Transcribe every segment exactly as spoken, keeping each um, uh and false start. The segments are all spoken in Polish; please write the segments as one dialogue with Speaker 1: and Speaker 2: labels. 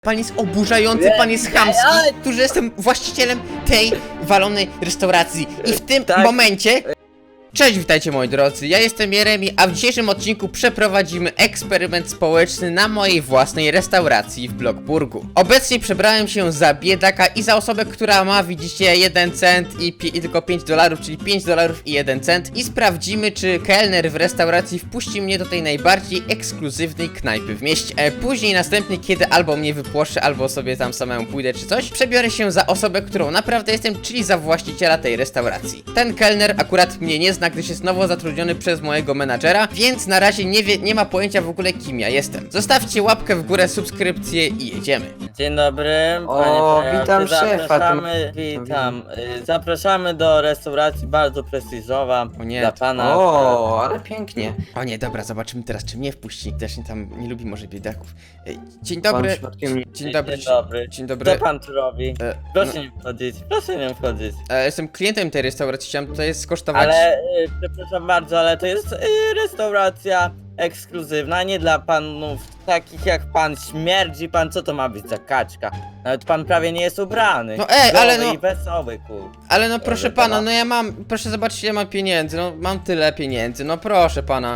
Speaker 1: Pan jest oburzający, pan jest chamski, który jestem właścicielem tej walonej restauracji. I w tym
Speaker 2: Tak.
Speaker 1: momencie... Cześć, witajcie moi drodzy, ja jestem Jeremi, a w dzisiejszym odcinku przeprowadzimy eksperyment społeczny na mojej własnej restauracji w Bloxburgu. Obecnie przebrałem się za biedaka i za osobę, która ma, widzicie, jeden cent i, i tylko pięć dolarów, czyli pięć dolarów i jeden cent. I sprawdzimy, czy kelner w restauracji wpuści mnie do tej najbardziej ekskluzywnej knajpy w mieście. E, później następnie, kiedy albo mnie wypłoszy, albo sobie tam samemu pójdę czy coś, przebiorę się za osobę, którą naprawdę jestem, czyli za właściciela tej restauracji. Ten kelner akurat mnie nie zna, gdyż jest nowo zatrudniony przez mojego menadżera, więc na razie nie wie, nie ma pojęcia w ogóle, kim ja jestem. Zostawcie łapkę w górę, subskrypcję i jedziemy.
Speaker 2: Dzień dobry,
Speaker 3: O,
Speaker 2: panie
Speaker 3: witam
Speaker 2: prezesie.
Speaker 3: szefa,
Speaker 2: Zapraszamy,
Speaker 3: tym-
Speaker 2: witam. Y, Zapraszamy do restauracji bardzo prestiżowa.
Speaker 1: O nie.
Speaker 2: Dla pana.
Speaker 3: O, ale pięknie.
Speaker 1: O nie, dobra, zobaczymy teraz, czy mnie wpuści. Też nie tam nie lubi może biedaków. E, Dzień dobry.
Speaker 3: Pan przypadkiem nie-
Speaker 1: Dzień dobry.
Speaker 2: Dzień dobry.
Speaker 1: Dzień dobry.
Speaker 2: Co pan tu robi?
Speaker 1: E,
Speaker 2: Proszę
Speaker 1: no,
Speaker 2: nie wchodzić, proszę nie wchodzić.
Speaker 1: e, jestem klientem tej restauracji, chciałem tutaj skosztować.
Speaker 2: Ale, y, przepraszam bardzo, ale to jest y, restauracja ekskluzywna, nie dla panów takich jak pan. Śmierdzi pan, co to ma być za kaczka? Nawet pan prawie nie jest ubrany.
Speaker 1: No ej, ale
Speaker 2: Zdrowy
Speaker 1: no-
Speaker 2: i wesoły, kur.
Speaker 1: Ale no proszę
Speaker 2: Dobrze,
Speaker 1: pana,
Speaker 2: pana.
Speaker 1: no ja mam, proszę zobaczyć, ja mam pieniędzy, no mam tyle pieniędzy, no proszę pana.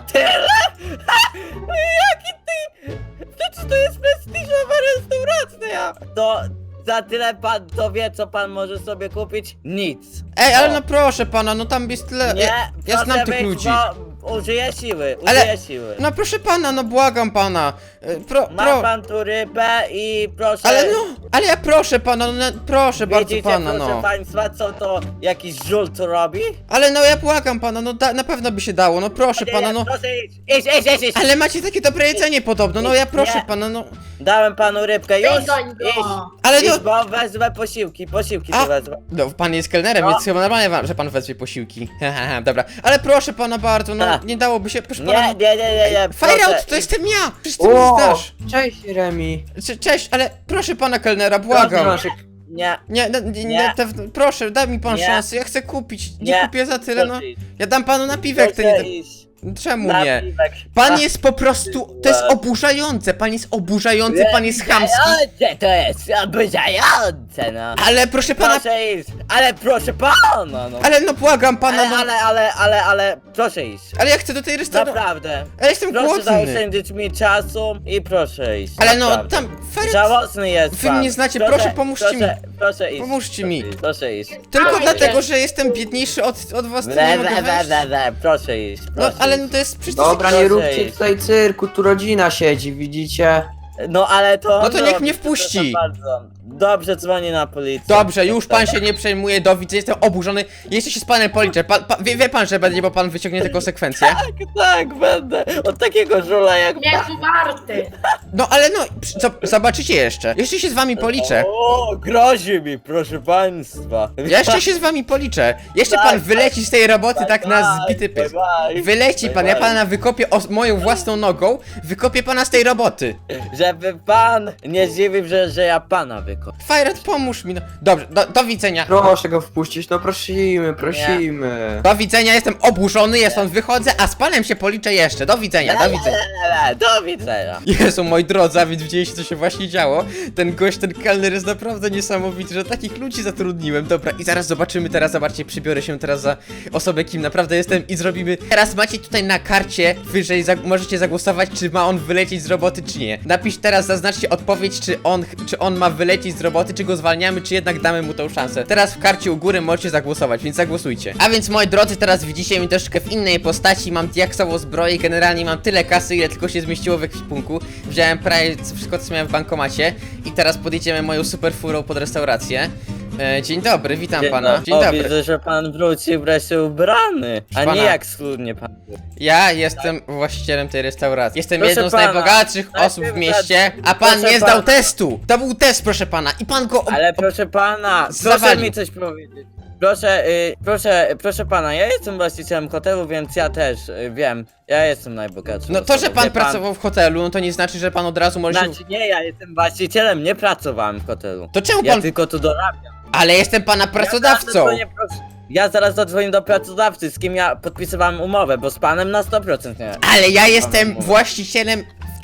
Speaker 2: Jaki ty? Przecież to jest prestiżowa restauracja! To za tyle pan to wie, co pan może sobie kupić? Nic.
Speaker 1: Ej, ale
Speaker 2: O.
Speaker 1: no proszę pana, no tam jest tyle.
Speaker 2: Nie,
Speaker 1: ja, ja
Speaker 2: proszę
Speaker 1: znam tych
Speaker 2: być,
Speaker 1: ludzi.
Speaker 2: Bo użyję siły,
Speaker 1: Ale-
Speaker 2: użyję siły.
Speaker 1: No proszę pana, no błagam pana. E, Pro,
Speaker 2: Ma
Speaker 1: pro.
Speaker 2: pan tu rybę i proszę...
Speaker 1: Ale no, ale ja proszę pana, no proszę bardzo
Speaker 2: Widzicie,
Speaker 1: pana,
Speaker 2: proszę
Speaker 1: no.
Speaker 2: państwa, co to jakiś żul tu robi?
Speaker 1: Ale no ja błagam pana, no da, na pewno by się dało, no proszę
Speaker 2: Nie,
Speaker 1: pana,
Speaker 2: nie,
Speaker 1: no.
Speaker 2: Proszę iść, iść, iść, iść, iść.
Speaker 1: Ale macie takie dobre jedzenie podobno, no ja proszę
Speaker 2: Nie.
Speaker 1: pana, no.
Speaker 2: Dałem panu rybkę, już,
Speaker 4: Wygoń go.
Speaker 2: iść.
Speaker 1: Ale
Speaker 2: Iść,
Speaker 1: no.
Speaker 2: bo wezmę posiłki, posiłki
Speaker 1: A.
Speaker 2: tu wezmę.
Speaker 1: No, pan jest kelnerem,
Speaker 2: No.
Speaker 1: więc chyba normalnie wam, że pan wezwie posiłki. Haha, dobra. Ale proszę pana bardzo, no
Speaker 2: Tak.
Speaker 1: nie dałoby się, proszę pana.
Speaker 2: Nie,
Speaker 1: no.
Speaker 2: nie, nie, nie, nie,
Speaker 1: Fire
Speaker 2: proszę,
Speaker 1: out, to jestem ja! Przecież ty mi
Speaker 3: O,
Speaker 1: znasz.
Speaker 3: cześć Remi.
Speaker 1: Cze- Cześć, ale proszę pana kelnera, błagam.
Speaker 3: Proszę,
Speaker 2: Nie,
Speaker 1: Nie, no, nie, nie,
Speaker 2: Nie.
Speaker 1: te, proszę, daj mi pan
Speaker 2: Nie.
Speaker 1: szansę, ja chcę kupić. Nie,
Speaker 2: Nie.
Speaker 1: kupię za tyle, no.
Speaker 2: proszę iść.
Speaker 1: Ja dam panu napiwek, to nie.
Speaker 2: Proszę iść.
Speaker 1: Czemu
Speaker 2: Na
Speaker 1: nie?
Speaker 2: piwek.
Speaker 1: Pan
Speaker 2: A,
Speaker 1: jest po prostu. To jest oburzające, pan jest oburzający, pan jest chamski.
Speaker 2: Oburzające to jest, oburzające, no.
Speaker 1: Ale proszę pana.
Speaker 2: Proszę iść, ale proszę pana, no.
Speaker 1: Ale no błagam pana,
Speaker 2: Ale,
Speaker 1: no.
Speaker 2: ale, ale, ale, ale, proszę iść.
Speaker 1: Ale ja chcę do tej restauracji.
Speaker 2: Naprawdę.
Speaker 1: Ale jestem
Speaker 2: Proszę
Speaker 1: głodny.
Speaker 2: zaoszczędzić mi czasu i proszę iść.
Speaker 1: Ale no
Speaker 2: naprawdę.
Speaker 1: tam. Fire...
Speaker 2: Żałosny jest
Speaker 1: Wy
Speaker 2: pan.
Speaker 1: mnie znacie, proszę, pomóżcie
Speaker 2: proszę, Proszę iść.
Speaker 1: Pomóżcie
Speaker 2: proszę
Speaker 1: mi.
Speaker 2: Iść, proszę iść.
Speaker 1: Tylko
Speaker 4: Dawaj,
Speaker 1: dlatego,
Speaker 4: idę.
Speaker 1: że jestem biedniejszy od, od was, to nie
Speaker 2: Le,
Speaker 1: mogę
Speaker 2: le, le,
Speaker 1: wejść.
Speaker 2: le, le, proszę iść.
Speaker 1: No
Speaker 2: Proszę
Speaker 1: ale
Speaker 2: iść.
Speaker 1: no to jest przecież.
Speaker 3: dobra,
Speaker 2: proszę
Speaker 3: nie róbcie
Speaker 2: iść.
Speaker 3: tutaj cyrku, tu rodzina siedzi, widzicie?
Speaker 2: No ale to.
Speaker 1: No to niech
Speaker 2: robi,
Speaker 1: mnie wpuści.
Speaker 2: przepraszam bardzo. Dobrze, dzwonię na policję.
Speaker 1: Dobrze, już pan się nie przejmuje, do widzenia, jestem oburzony. Jeszcze się z panem policzę. Pan, pa, wie, wie pan, że będzie, bo pan wyciągnie te konsekwencje.
Speaker 2: Tak, tak, będę. Od takiego żula jak
Speaker 4: Nie jest warty.
Speaker 1: No ale no, przy- co, zobaczycie jeszcze. Jeszcze się z wami policzę.
Speaker 2: O, grozi mi, proszę państwa.
Speaker 1: Ja jeszcze się z wami policzę. Jeszcze pan wyleci z tej roboty tak na zbity pysk. Wyleci pan, ja pana wykopię os- moją własną nogą, wykopię pana z tej roboty.
Speaker 2: Żeby pan nie zdziwił, że, że ja pana wykopię.
Speaker 1: Fajret, pomóż mi, no. Dobrze, do, do widzenia.
Speaker 3: Proszę go wpuścić, no prosimy, prosimy.
Speaker 1: Do widzenia, jestem oburzony, ja stąd wychodzę, a z panem się policzę jeszcze. Do widzenia, do widzenia.
Speaker 2: Do widzenia.
Speaker 1: Jezu, moi drodzy, a więc widzieliście, co się właśnie działo. Ten gość, ten kelner jest naprawdę niesamowity, że takich ludzi zatrudniłem. Dobra, i zaraz zobaczymy, teraz zobaczcie, przybiorę się teraz za osobę, kim naprawdę jestem i zrobimy. Teraz macie tutaj na karcie wyżej, za możecie zagłosować, czy ma on wylecieć z roboty, czy nie. Napisz teraz, zaznaczcie odpowiedź, czy on, czy on ma wylecieć z roboty, czy go zwalniamy, czy jednak damy mu tą szansę. Teraz w karcie u góry możecie zagłosować, więc zagłosujcie. A więc, moi drodzy, teraz widzicie mnie troszkę w innej postaci, mam diaksową zbroję, generalnie mam tyle kasy, ile tylko się zmieściło w ekwipunku. Wziąłem prawie wszystko, co miałem w bankomacie i teraz podjedziemy moją super furą pod restaurację. E, dzień dobry, witam
Speaker 2: Dzień
Speaker 1: pana.
Speaker 2: dobry.
Speaker 1: Dzień
Speaker 2: O,
Speaker 1: dobry.
Speaker 2: widzę, że pan wrócił wreszcie ubrany, a
Speaker 1: Pana.
Speaker 2: nie jak schludnie pan był.
Speaker 1: Ja jestem właścicielem tej restauracji. Jestem
Speaker 2: Proszę
Speaker 1: jedną z
Speaker 2: pana,
Speaker 1: najbogatszych osób w
Speaker 2: najpierw
Speaker 1: mieście,
Speaker 2: za-
Speaker 1: a pan
Speaker 2: proszę
Speaker 1: nie zdał
Speaker 2: pana.
Speaker 1: testu. To był test, proszę pana, i pan go.
Speaker 2: Ale proszę pana, proszę
Speaker 1: Zawalił.
Speaker 2: mi coś powiedzieć. Proszę, y, proszę, proszę pana, ja jestem właścicielem hotelu, więc ja też y, wiem, ja jestem najbogatszy.
Speaker 1: No to, że pan pracował w hotelu, no to nie znaczy, że pan od razu może się.
Speaker 2: Znaczy nie, ja jestem właścicielem, nie pracowałem w hotelu.
Speaker 1: To czemu
Speaker 2: Ja
Speaker 1: pan.
Speaker 2: tylko tu dorabiam.
Speaker 1: Ale jestem pana
Speaker 2: Ja zaraz
Speaker 1: pracodawcą.
Speaker 2: zadzwonię, proszę- Ja zaraz zadzwonię do pracodawcy, z kim ja podpisywałem umowę, bo z panem na sto procent nie.
Speaker 1: Ale ja jestem
Speaker 2: Pan-
Speaker 1: właścicielem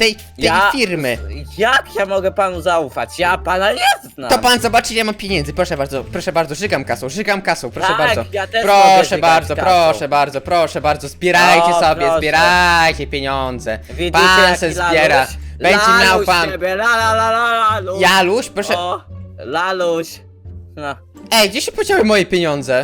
Speaker 1: tej, tej
Speaker 2: Ja-
Speaker 1: firmy.
Speaker 2: Jak ja mogę panu zaufać? Ja pana nie znam.
Speaker 1: To pan zobaczy, ile mam pieniędzy. Proszę bardzo, proszę bardzo, żygam kasą, żygam kasą, proszę
Speaker 2: Tak,
Speaker 1: bardzo.
Speaker 2: ja też mogę
Speaker 1: Proszę
Speaker 2: żygać
Speaker 1: bardzo,
Speaker 2: kasą.
Speaker 1: proszę bardzo, proszę bardzo, zbierajcie
Speaker 2: O,
Speaker 1: sobie,
Speaker 2: proszę.
Speaker 1: zbierajcie pieniądze.
Speaker 2: Widzicie,
Speaker 1: Pan
Speaker 2: jaki
Speaker 1: se
Speaker 2: laluś?
Speaker 1: zbiera. Będzie
Speaker 2: Laluś
Speaker 1: miał pan.
Speaker 2: Ciebie, la, la, la, la, laluś.
Speaker 1: Jaluś, proszę.
Speaker 2: O, laluś. No.
Speaker 1: Ej, gdzie się podziały moje pieniądze?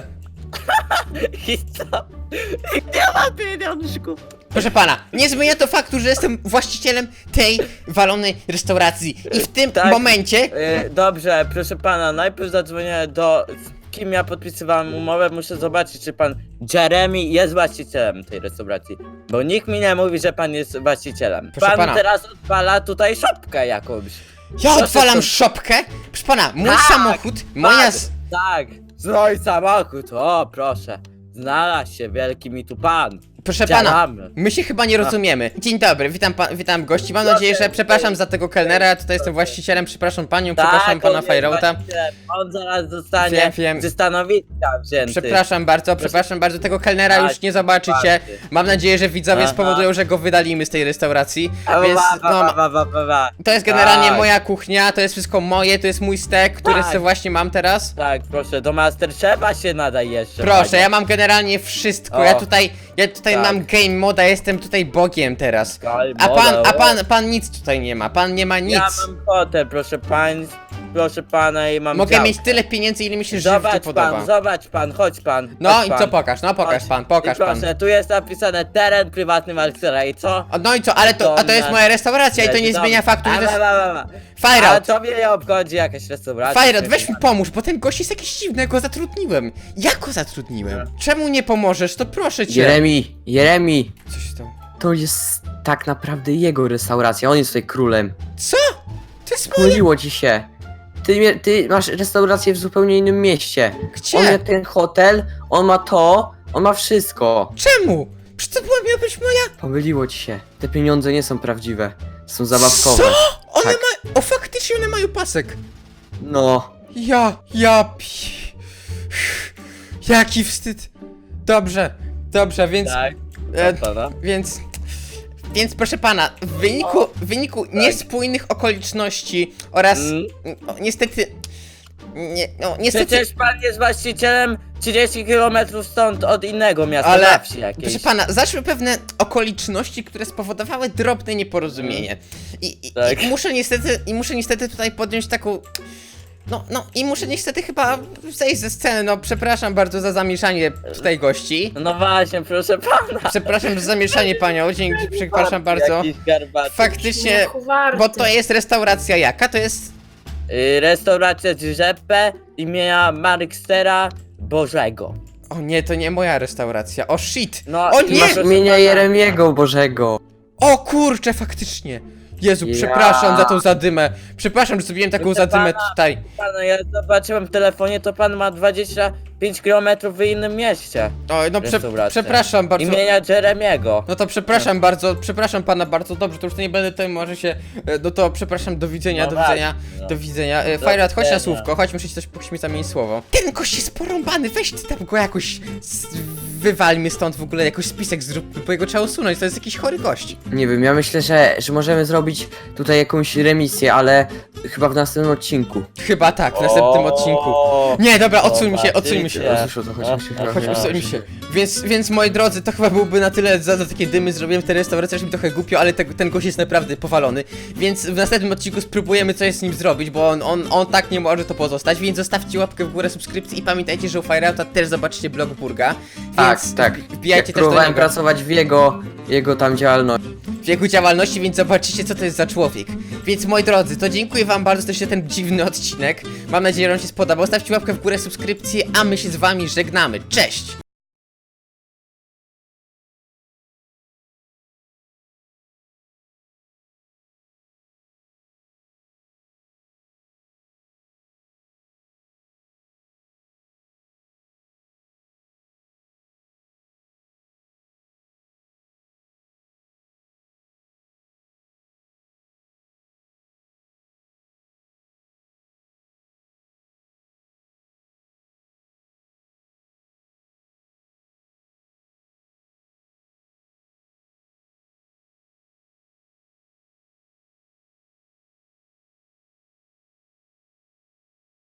Speaker 2: I co? Gdzie ma pieniążków?
Speaker 1: Proszę pana, nie zmienia to faktu, że jestem właścicielem tej walonej restauracji. I w tym
Speaker 2: Tak.
Speaker 1: momencie.
Speaker 2: E, dobrze, proszę pana, najpierw zadzwonię do... Z kim ja podpisywałem umowę, muszę zobaczyć, czy pan Jeremy jest właścicielem tej restauracji. Bo nikt mi nie mówi, że pan jest właścicielem.
Speaker 1: Proszę
Speaker 2: pan
Speaker 1: pana.
Speaker 2: teraz odpala tutaj szopkę jakąś.
Speaker 1: Ja
Speaker 2: Proszę
Speaker 1: odwalam
Speaker 2: tu-
Speaker 1: szopkę? Proszę pana, mój
Speaker 2: Tak,
Speaker 1: samochód, moja.
Speaker 2: Tak,
Speaker 1: z-
Speaker 2: tak, mój samochód, o proszę. Znalazł się wielki mi tu pan.
Speaker 1: Proszę pana,
Speaker 2: Działamy.
Speaker 1: my się chyba nie rozumiemy. Dzień dobry, witam, pa, witam gości. Mam nadzieję, że przepraszam za tego kelnera. Ja tutaj jestem właścicielem, przepraszam panią, przepraszam
Speaker 2: Tak,
Speaker 1: pana
Speaker 2: on jest
Speaker 1: Fajrota.
Speaker 2: właścicielem. On zaraz zostanie
Speaker 1: Wiem, wiem.
Speaker 2: ze stanowiska wzięty.
Speaker 1: Przepraszam bardzo, przepraszam bardzo, tego kelnera
Speaker 2: Tak,
Speaker 1: już nie zobaczycie.
Speaker 2: bardzo.
Speaker 1: Mam nadzieję, że widzowie
Speaker 2: Aha.
Speaker 1: spowodują, że go wydalimy z tej restauracji.
Speaker 2: A,
Speaker 1: Więc
Speaker 2: ba, ba,
Speaker 1: no,
Speaker 2: ba, ba, ba, ba, ba.
Speaker 1: to jest generalnie
Speaker 2: Tak.
Speaker 1: moja kuchnia, to jest wszystko moje, to jest mój stek, który
Speaker 2: Tak.
Speaker 1: sobie właśnie mam teraz.
Speaker 2: Tak, proszę, do Masterchefa się nadaj jeszcze.
Speaker 1: Proszę,
Speaker 2: panie.
Speaker 1: ja mam generalnie wszystko.
Speaker 2: O.
Speaker 1: Ja tutaj, ja tutaj
Speaker 2: Tak.
Speaker 1: mam game moda, jestem tutaj bogiem teraz.
Speaker 2: Game
Speaker 1: A
Speaker 2: moda,
Speaker 1: pan, a
Speaker 2: o.
Speaker 1: pan, pan nic tutaj nie ma, pan nie ma nic.
Speaker 2: Ja mam hotel, proszę pań, proszę pana i mam
Speaker 1: Mogę
Speaker 2: działkę.
Speaker 1: mieć tyle pieniędzy, ile mi się żywcie
Speaker 2: Zobacz
Speaker 1: podoba.
Speaker 2: pan, zobacz pan, chodź pan.
Speaker 1: No
Speaker 2: chodź
Speaker 1: i
Speaker 2: pan.
Speaker 1: co pokaż, no pokaż
Speaker 2: Chodź.
Speaker 1: pan, pokaż
Speaker 2: I proszę,
Speaker 1: pan.
Speaker 2: tu jest napisane teren prywatny Marcela i co?
Speaker 1: O, no i co, ale to, a to jest moja restauracja i to nie zmienia faktu, że to jest...
Speaker 2: A
Speaker 1: Fajrot,
Speaker 2: to mnie nie obchodzi jakaś restauracja.
Speaker 1: Fajrot, weź mi pomóż, bo ten gość jest jakiś dziwny, ja go zatrudniłem. Ja go zatrudniłem. Czemu nie pomożesz, to proszę cię.
Speaker 3: Jeremy, Jeremy,
Speaker 1: Co się stało?
Speaker 3: to jest tak naprawdę jego restauracja, on jest tutaj królem.
Speaker 1: Co? To jest moje...
Speaker 3: Pomyliło ci się. Ty, mie- ty masz restaurację w zupełnie innym mieście.
Speaker 1: Gdzie?
Speaker 3: On ma ten hotel, on ma to, on ma wszystko.
Speaker 1: Czemu? Przecież to była miała być moja...
Speaker 3: Pomyliło ci się. Te pieniądze nie są prawdziwe. Są zabawkowe.
Speaker 1: Co? One
Speaker 3: Tak.
Speaker 1: ma... O, faktycznie one mają pasek.
Speaker 3: No.
Speaker 1: Ja, ja pi... Jaki wstyd. Dobrze, dobrze, więc...
Speaker 2: Tak,
Speaker 1: E,
Speaker 2: pana.
Speaker 1: Więc... Więc proszę pana, w wyniku, w wyniku niespójnych okoliczności oraz...
Speaker 2: Mm.
Speaker 1: No, niestety... Nie, no niestety...
Speaker 2: Przecież pan jest właścicielem trzydzieści kilometrów stąd od innego miasta,
Speaker 1: Ale,
Speaker 2: na wsi jakiejś.
Speaker 1: proszę pana, zaszły pewne okoliczności, które spowodowały drobne nieporozumienie. I, i,
Speaker 2: Tak.
Speaker 1: i muszę niestety, i muszę niestety tutaj podjąć taką... No, no i muszę niestety chyba zejść ze sceny, no przepraszam bardzo za zamieszanie tutaj gości.
Speaker 2: No właśnie, proszę pana.
Speaker 1: Przepraszam za zamieszanie panią, dzięki, przepraszam bardzo.
Speaker 2: Jakiś garbaty.
Speaker 1: Faktycznie, bo to jest restauracja jaka? To jest...
Speaker 2: Y, restauracja Giuseppe imienia Markstera Bożego.
Speaker 1: O nie, to nie moja restauracja, o shit!
Speaker 2: No,
Speaker 1: O
Speaker 2: i
Speaker 1: nie!
Speaker 2: masz-
Speaker 3: Masz imienia Jeremiego Bożego.
Speaker 1: O kurczę, faktycznie! Jezu,
Speaker 3: Ja.
Speaker 1: przepraszam za tą zadymę. Przepraszam, że zrobiłem taką
Speaker 2: Proszę
Speaker 1: zadymę
Speaker 2: pana,
Speaker 1: tutaj.
Speaker 2: Pana, ja zobaczyłem w telefonie, to pan ma dwadzieścia pięć kilometrów w innym mieście.
Speaker 1: O, no prze,
Speaker 2: Restauracja.
Speaker 1: przepraszam bardzo.
Speaker 2: Imienia Jeremiego.
Speaker 1: No to przepraszam bardzo, przepraszam pana bardzo, dobrze, to już nie będę tutaj, może się, e, no to przepraszam, do widzenia,
Speaker 2: No
Speaker 1: do
Speaker 2: tak,
Speaker 1: widzenia,
Speaker 2: no.
Speaker 1: do widzenia. E,
Speaker 2: Do
Speaker 1: Fajrat, chodź na
Speaker 2: widzenia.
Speaker 1: słówko, chodź, muszę ci coś, musimy mi zamienić słowo. Ten gość jest porąbany, weź ty tam go jakoś, z, wywalmy stąd w ogóle, jakoś spisek zrób, bo jego trzeba usunąć, to jest jakiś chory gość.
Speaker 3: Nie wiem, ja myślę, że, że możemy zrobić tutaj jakąś remisję, ale chyba w następnym odcinku.
Speaker 1: Chyba tak, w następnym
Speaker 2: O,
Speaker 1: odcinku. Nie, dobra, odsuńmy się, odsuńmy się.
Speaker 2: zobaczycie.
Speaker 3: Słyszę, o co chodzi,
Speaker 2: No,
Speaker 3: myślę,
Speaker 2: no,
Speaker 3: że-
Speaker 1: Chodź,
Speaker 2: no.
Speaker 1: usuńmy się. Więc, więc moi drodzy, to chyba byłby na tyle za, za takie dymy zrobiłem tę restaurację, że mi trochę głupio, ale te, ten gość jest naprawdę powalony. Więc w następnym odcinku spróbujemy coś z nim zrobić, bo on, on, on tak nie może to pozostać, więc zostawcie łapkę w górę, subskrypcję i pamiętajcie, że u Fireouta też zobaczycie blog Burga.
Speaker 3: Tak,
Speaker 1: Więc
Speaker 3: tak.
Speaker 1: wbijajcie
Speaker 3: Ja
Speaker 1: też do
Speaker 3: próbowałem
Speaker 1: niego
Speaker 3: pracować w jego, jego tam działalności.
Speaker 1: w jego działalności, więc zobaczycie, co to jest za człowiek. Więc moi drodzy, to dziękuję wam bardzo za ten dziwny odcinek. Mam nadzieję, że wam się spodobał. Stawcie łapkę w górę, subskrypcję, a my się z wami żegnamy. Cześć!